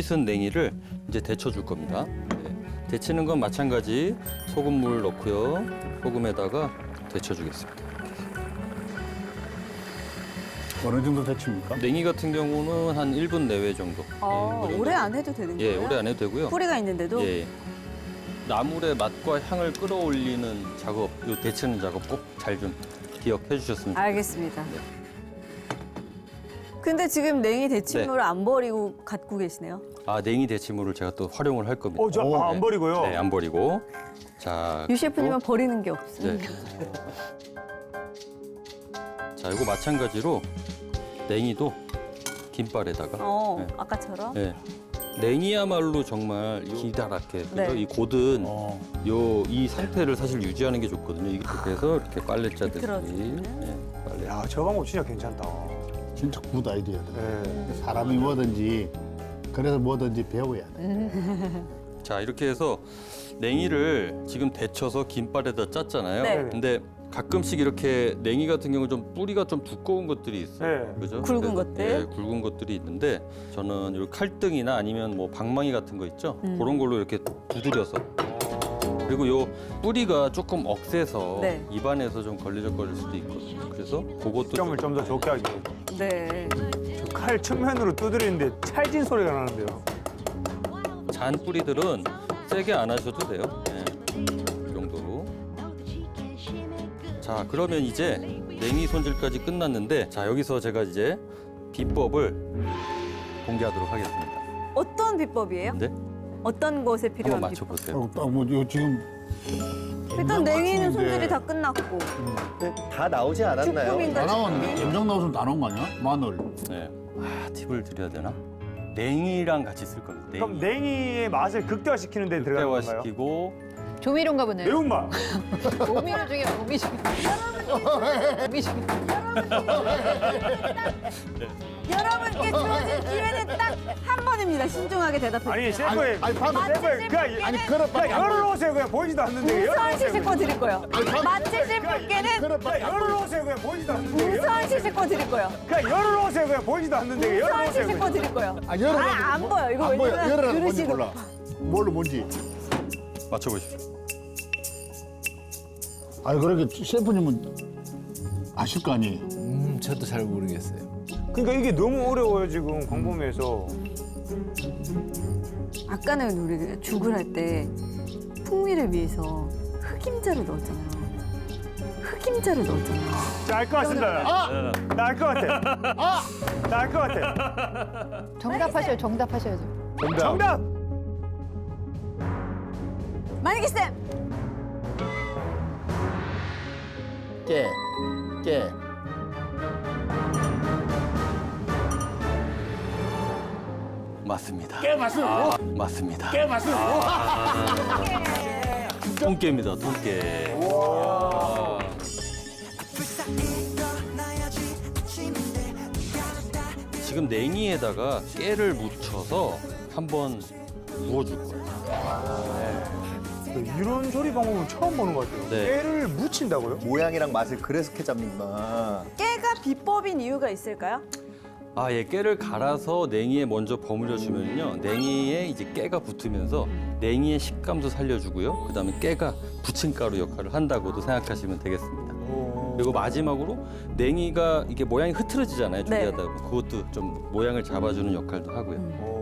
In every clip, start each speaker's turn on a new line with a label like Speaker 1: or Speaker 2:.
Speaker 1: 짙은 냉이를 이제 데쳐줄 겁니다. 네. 데치는 건 마찬가지 소금물 넣고요. 소금에다가 데쳐주겠습니다.
Speaker 2: 어느 정도 데칩니까?
Speaker 1: 냉이 같은 경우는 한 1분 내외 정도. 그 정도.
Speaker 3: 오래 안 해도 되는 거예요?
Speaker 1: 예, 오래 안 해도 되고요.
Speaker 3: 뿌리가 있는데도?
Speaker 1: 예. 나물의 맛과 향을 끌어올리는 작업, 요 데치는 작업 꼭 잘 좀 기억해 주셨으면 좋겠습니다.
Speaker 3: 알겠습니다. 근데 지금 냉이 데친물을 안 버리고 갖고 계시네요.
Speaker 1: 아, 냉이 데치물을 제가 또 활용을 할 겁니다.
Speaker 4: 안 버리고요?
Speaker 1: 네, 안 버리고. 자,
Speaker 3: 유 셰프님은 버리는 게 없어요.
Speaker 1: 네. 자, 이거 마찬가지로 냉이도 김발에다가. 네.
Speaker 3: 아까처럼.
Speaker 1: 네. 냉이야말로 정말 기다랗게 그죠?
Speaker 3: 네.
Speaker 1: 이 곧은 이 상태를 사실 유지하는 게 좋거든요. 이렇게 해서 이렇게 빨래 짜듯이.
Speaker 3: 비틀어주는.
Speaker 1: 네, 빨래.
Speaker 4: 야, 저 방법 진짜 괜찮다.
Speaker 2: 진짜 굿 아이디어다.
Speaker 4: 네.
Speaker 2: 사람이 뭐든지 그래서 뭐든지 배워야 돼.
Speaker 1: 자, 이렇게 해서 냉이를 지금 데쳐서 김발에다 짰잖아요.
Speaker 3: 네.
Speaker 1: 근데 가끔씩 이렇게 냉이 같은 경우 좀 뿌리가 좀 두꺼운 것들이 있어요.
Speaker 4: 네.
Speaker 1: 그죠?
Speaker 3: 굵은
Speaker 1: 그래서,
Speaker 3: 것들?
Speaker 1: 예, 굵은 것들이 있는데 저는 이 칼등이나 아니면 뭐 방망이 같은 거 있죠? 그런 걸로 이렇게 두드려서 그리고 요 뿌리가 조금 억세서
Speaker 3: 네.
Speaker 1: 입안에서 좀 걸리적거릴 수도 있거든요. 그래서 그것도
Speaker 4: 점을 좀 더 좋게 하기.
Speaker 3: 네.
Speaker 4: 저 칼 측면으로 두드리는데 찰진 소리가 나는데요.
Speaker 1: 잔 뿌리들은 세게 안 하셔도 돼요. 네. 이 정도로. 자, 그러면 이제 냉이 손질까지 끝났는데 자, 여기서 제가 이제 비법을 공개하도록 하겠습니다.
Speaker 3: 어떤 비법이에요?
Speaker 1: 네?
Speaker 3: 어떤 것에
Speaker 1: 한번
Speaker 3: 필요한 비법?
Speaker 1: 맞춰보세요.
Speaker 2: 요 지금
Speaker 3: 일단 냉이는
Speaker 2: 맞추는데
Speaker 3: 손질이 다 끝났고.
Speaker 5: 다 나오지 않았나요?
Speaker 3: 쭈꾸미인가
Speaker 2: 다 나왔는데
Speaker 3: 쭈꾸미?
Speaker 2: 염장 나오면 다 나온 거 아니야? 마늘.
Speaker 1: 네. 아, 팁을 드려야 되나? 냉이랑 같이 쓸 겁니다.
Speaker 4: 그럼 냉이의 맛을 극대화시키는 데 들어가는 건가요?
Speaker 1: 극대화시키고
Speaker 6: 조미료인가 보네요.
Speaker 4: 매운맛.
Speaker 6: 조미료 중에 조미 중에. 조미 중에.
Speaker 3: 여러분께 주어진 기회는 딱 한 번입니다. 신중하게 대답해
Speaker 4: 아니,
Speaker 3: 주세요.
Speaker 4: 셰프의
Speaker 2: 아니, 방금
Speaker 4: 셰프의 그냥
Speaker 2: 아니 그릇밖에 안
Speaker 4: 열을 놓으세요. 그냥 보이지도 않는데.
Speaker 3: 우선 시식 거 드릴 거예요. 맞히실 분께는
Speaker 2: 그릇밖에 안
Speaker 4: 열을 놓으세요. 그냥 보이지도 않는데.
Speaker 3: 우선 시식 거 드릴 거예요.
Speaker 4: 그냥 열을 놓으세요. 그냥 보이지도 않는데. 열을
Speaker 3: 우선
Speaker 4: 놓으세요.
Speaker 3: 시식 거 드릴 거예요.
Speaker 2: 아, 열을
Speaker 3: 안 보여. 이거
Speaker 2: 안 보여.
Speaker 3: 왜냐면
Speaker 2: 열을 뭔지
Speaker 3: 그릇이
Speaker 2: 몰라. 뭘로 뭔지.
Speaker 1: 맞춰보십시오.
Speaker 2: 아니 그렇게 셰프님은 아실 거 아니에요?
Speaker 7: 저도 잘 모르겠어요.
Speaker 4: 그러니까 이게 너무 어려워요 지금 광범위해서.
Speaker 3: 아까는 우리 죽을 할 때 풍미를 위해서 흑임자를 넣었잖아요. 흑임자를 넣었잖아요.
Speaker 4: 자, 알 것 같습니다. 나 알 것 같아. 나 알 것 같아.
Speaker 6: 정답하셔야죠.
Speaker 4: 정답.
Speaker 3: 만약에 쌤
Speaker 2: 깨.
Speaker 1: 맞습니다.
Speaker 2: 깨 맞습니다.
Speaker 1: 맞습니다.
Speaker 2: 깨 맞습니다.
Speaker 1: 통깨입니다. 통깨. 지금 냉이에다가 깨를 묻혀서 한번 구워줄 거예요.
Speaker 4: 이런 조리 방법은 처음 보는 것 같아요.
Speaker 1: 네.
Speaker 4: 깨를 묻힌다고요?
Speaker 5: 모양이랑 맛을 그렇게 잡는구나.
Speaker 3: 깨가 비법인 이유가 있을까요?
Speaker 1: 아, 예, 깨를 갈아서 냉이에 먼저 버무려 주면요, 냉이에 이제 깨가 붙으면서 냉이의 식감도 살려주고요. 그다음에 깨가 부침가루 역할을 한다고도 생각하시면 되겠습니다. 그리고 마지막으로 냉이가 이게 모양이 흐트러지잖아요.
Speaker 3: 네.
Speaker 1: 조리하다 보면 그것도 좀 모양을 잡아주는 역할도 하고요.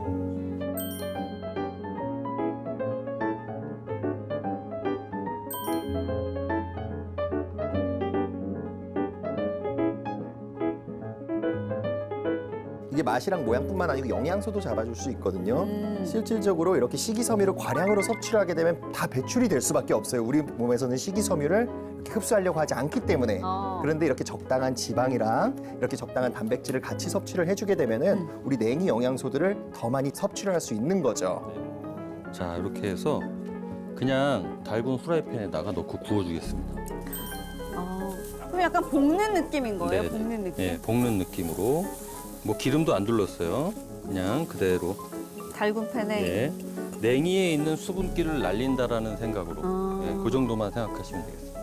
Speaker 5: 이게 맛이랑 모양뿐만 아니고 영양소도 잡아줄 수 있거든요. 실질적으로 이렇게 식이섬유를 과량으로 섭취를 하게 되면 다 배출이 될 수밖에 없어요. 우리 몸에서는 식이섬유를 이렇게 흡수하려고 하지 않기 때문에. 그런데 이렇게 적당한 지방이랑 이렇게 적당한 단백질을 같이 섭취를 해주게 되면은 우리 냉이 영양소들을 더 많이 섭취를 할 수 있는 거죠.
Speaker 1: 자, 이렇게 해서 그냥 달군 후라이팬에다가 넣고 구워주겠습니다.
Speaker 3: 그럼 약간 볶는 느낌인 거예요?
Speaker 1: 네네.
Speaker 3: 볶는 느낌?
Speaker 1: 네, 볶는 느낌으로. 뭐 기름도 안 둘렀어요. 그냥 그대로.
Speaker 3: 달군 팬에
Speaker 1: 네. 냉이에 있는 수분기를 날린다라는 생각으로 네, 그 정도만 생각하시면 되겠습니다.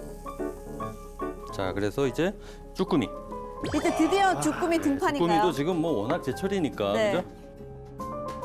Speaker 1: 자, 그래서 이제 쭈꾸미.
Speaker 3: 이제 드디어 주꾸미 등판인가요?
Speaker 1: 쭈꾸미도 지금 뭐 워낙 제철이니까
Speaker 3: 네.
Speaker 1: 그죠?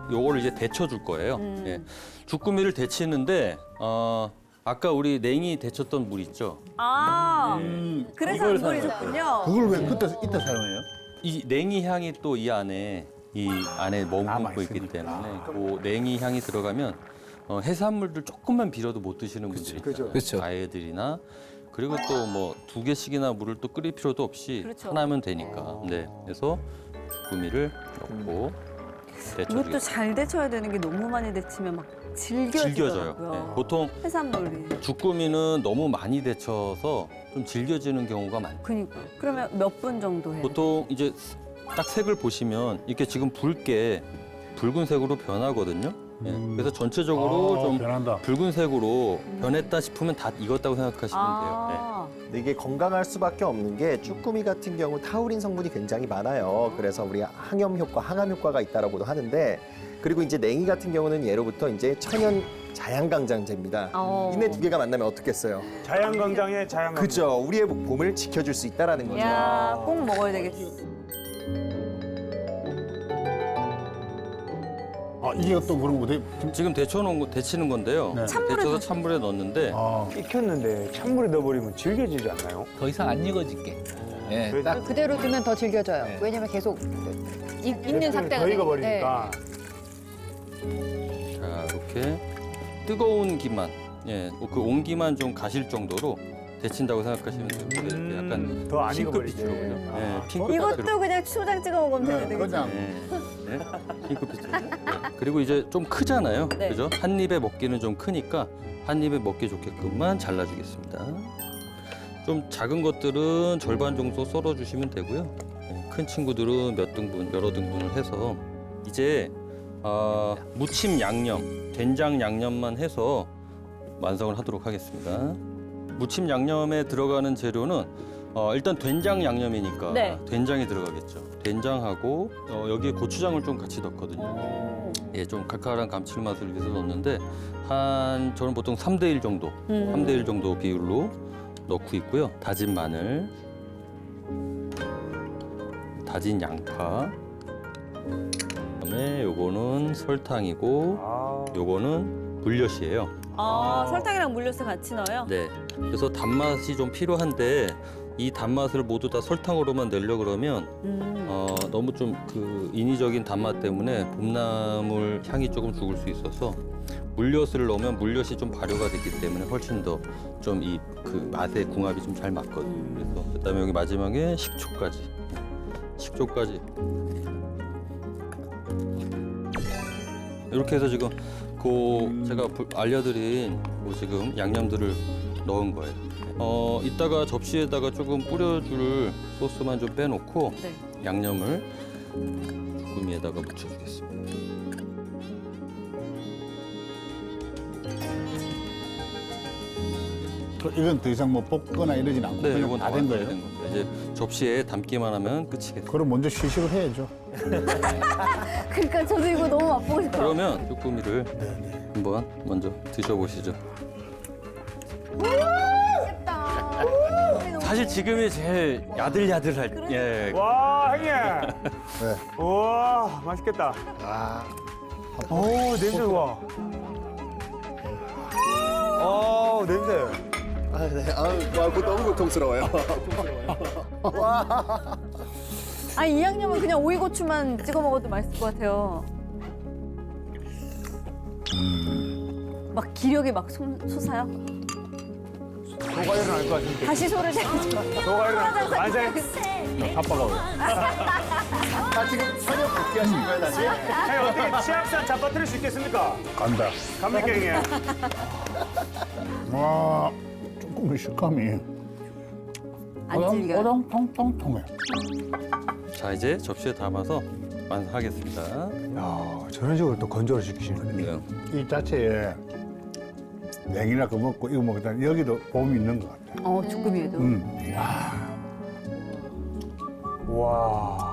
Speaker 1: 요거를 이제 데쳐줄 거예요. 예. 주꾸미를 데치는데 아까 우리 냉이 데쳤던 물 있죠?
Speaker 3: 아, 그래서 안 버리셨군요.
Speaker 2: 그걸 왜 그때 이때 사용해요?
Speaker 1: 이 냉이 향이 또 이 안에 머금고 있기 때문에 그 냉이 향이 들어가면 해산물들 조금만 비려도 못 드시는 분들이 있잖아요.
Speaker 7: 그렇죠.
Speaker 1: 아이들이나 그리고 또 뭐 2개씩이나 물을 또 끓일 필요도 없이
Speaker 3: 그렇죠.
Speaker 1: 하나면 되니까. 네, 그래서 주꾸미를 넣고
Speaker 3: 이것도
Speaker 1: 데쳐주겠습니다.
Speaker 3: 잘 데쳐야 되는 게 너무 많이 데치면 막
Speaker 1: 질겨져요.
Speaker 3: 질겨지더라고요.
Speaker 1: 네, 보통
Speaker 3: 해산물이.
Speaker 1: 주꾸미는 너무 많이 데쳐서 좀 질겨지는 경우가 많아요.
Speaker 3: 그니까. 그러면 몇 분 정도 해요?
Speaker 1: 보통 이제 딱 색을 보시면 이렇게 지금 붉게 붉은색으로 변하거든요. 예, 그래서 전체적으로 좀
Speaker 2: 변한다.
Speaker 1: 붉은색으로 변했다 싶으면 다 익었다고 생각하시면 돼요.
Speaker 5: 근데 이게 건강할 수밖에 없는 게 쭈꾸미 같은 경우 타우린 성분이 굉장히 많아요. 그래서 우리 항염 효과, 항암 효과가 있다라고도 하는데 그리고 이제 냉이 같은 경우는 예로부터 이제 천연 자양강장제입니다. 이네 두 개가 만나면 어떻겠어요?
Speaker 4: 자양강장에 자양강장.
Speaker 5: 그죠? 우리의 몸을 지켜줄 수 있다라는 거죠.
Speaker 3: 야, 꼭 먹어야 되겠어.
Speaker 2: 아, 이게 또 그런 거돼?
Speaker 1: 네. 지금 데치는 건데요.
Speaker 2: 네.
Speaker 1: 데쳐서 찬물에 넣었는데
Speaker 2: 아,
Speaker 4: 익혔는데 찬물에 넣어버리면 질겨지지 않나요?
Speaker 7: 더 이상 안 익어질게. 예, 딱
Speaker 6: 그대로 두면 더 질겨져요.
Speaker 7: 네.
Speaker 6: 왜냐면 계속 있는 상태가
Speaker 4: 더
Speaker 6: 되니까.
Speaker 4: 익어버리니까.
Speaker 1: 자 이렇게 뜨거운 기만, 예, 그 온기만 좀 가실 정도로 데친다고 생각하시면 돼요. 이렇게 약간
Speaker 4: 더 안
Speaker 1: 핑크빛으로
Speaker 4: 익어버리게.
Speaker 1: 그죠? 예, 핑크빛으로.
Speaker 3: 이것도 그냥 초장 찍어 먹으면
Speaker 2: 네,
Speaker 3: 되겠죠?
Speaker 2: 그냥
Speaker 1: 네, 핑크빛으로. 네. 그리고 이제 좀 크잖아요.
Speaker 3: 네.
Speaker 1: 그죠? 한 입에 먹기는 좀 크니까 한 입에 먹기 좋게끔만 잘라주겠습니다. 좀 작은 것들은 절반 정도 썰어주시면 되고요. 네, 큰 친구들은 몇 등분, 여러 등분을 해서 이제 무침 양념, 된장 양념만 해서 완성을 하도록 하겠습니다. 무침 양념에 들어가는 재료는 일단 된장 양념이니까
Speaker 3: 네.
Speaker 1: 된장이 들어가겠죠. 된장하고 여기에 고추장을 좀 같이 넣거든요. 예, 좀 칼칼한 감칠맛을 위해서 넣는데 저는 보통 3대1 정도, 3대1 정도 비율로 넣고 있고요. 다진 마늘, 다진 양파, 그다음에 요거는 설탕이고
Speaker 4: 아,
Speaker 1: 요거는 물엿이에요.
Speaker 3: 설탕이랑 물엿을 같이 넣어요?
Speaker 1: 네. 그래서 단맛이 좀 필요한데 이 단맛을 모두 다 설탕으로만 내려 그러면 너무 좀 그 인위적인 단맛 때문에 봄나물 향이 조금 죽을 수 있어서 물엿을 넣으면 물엿이 좀 발효가 됐기 때문에 훨씬 더 좀 이 그 맛의 궁합이 좀 잘 맞거든요. 그래서 그다음에 여기 마지막에 식초까지 이렇게 해서 지금 제가 알려드린 지금 양념들을 넣은 거예요. 이따가 접시에다가 조금 뿌려줄 소스만 좀 빼놓고
Speaker 3: 네.
Speaker 1: 양념을 주꾸미에다가 묻혀주겠습니다.
Speaker 2: 이건 더 이상 뭐 볶거나 이러진 않고
Speaker 1: 네,
Speaker 2: 그냥
Speaker 1: 이건
Speaker 2: 다 된 거예요?
Speaker 1: 된 겁니다. 이제 접시에 담기만 하면 끝이겠죠.
Speaker 2: 그럼 먼저 시식을 해야죠.
Speaker 3: 그러니까 저도 이거 너무 맛보고 싶어요.
Speaker 1: 그러면 주꾸미를 한번 먼저 드셔보시죠. 사실 지금이 제일 야들야들할 예.
Speaker 4: 와, 형님.
Speaker 2: 네.
Speaker 4: 우와, 맛있겠다.
Speaker 2: 아,
Speaker 4: 오, 냄새 좋아. 냄새.
Speaker 5: 아, 네. 그거 너무 고통스러워요.
Speaker 3: 이 양념은 그냥 오이고추만 찍어 먹어도 맛있을 것 같아요. 막 기력이 막 솟아요?
Speaker 4: 소가 일어날 것 같은데.
Speaker 3: 다시 소를 내야죠.
Speaker 4: 소가 일어날 것 같아.
Speaker 2: 아빠가 왜?
Speaker 5: 아, 지금 현역 복귀하신 거예요, 다시?
Speaker 4: 형님, 어떻게 치악산 잡아뜨릴 수 있겠습니까?
Speaker 2: 간다.
Speaker 4: 갑니까, 형님?
Speaker 2: 와, 조금 식감이
Speaker 3: 안 질겨요?
Speaker 2: 오동통통통해.
Speaker 1: 자 이제 접시에 담아서 완성하겠습니다.
Speaker 4: 야, 저런 식으로 또 건조를 시키시는
Speaker 1: 네.
Speaker 2: 이 자체에 냉이나 그거 먹고 이거 먹다 여기도 봄이 있는 것 같아.
Speaker 3: 주꾸미에도.
Speaker 2: 이야.
Speaker 4: 와.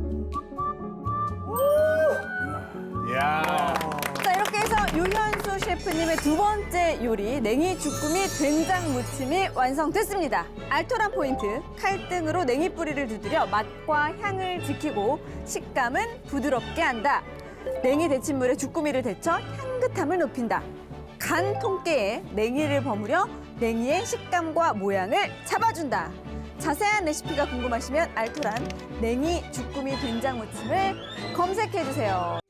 Speaker 2: 이야.
Speaker 3: 자, 이렇게 해서 유현수 셰프 셰프님의 두 번째 요리 냉이 주꾸미 된장 무침이 완성됐습니다. 알토란 포인트, 칼등으로 냉이 뿌리를 두드려 맛과 향을 지키고 식감은 부드럽게 한다. 냉이 데친물에 주꾸미를 데쳐 향긋함을 높인다. 간 통깨에 냉이를 버무려 냉이의 식감과 모양을 잡아준다. 자세한 레시피가 궁금하시면 알토란 냉이 주꾸미 된장 무침을 검색해주세요.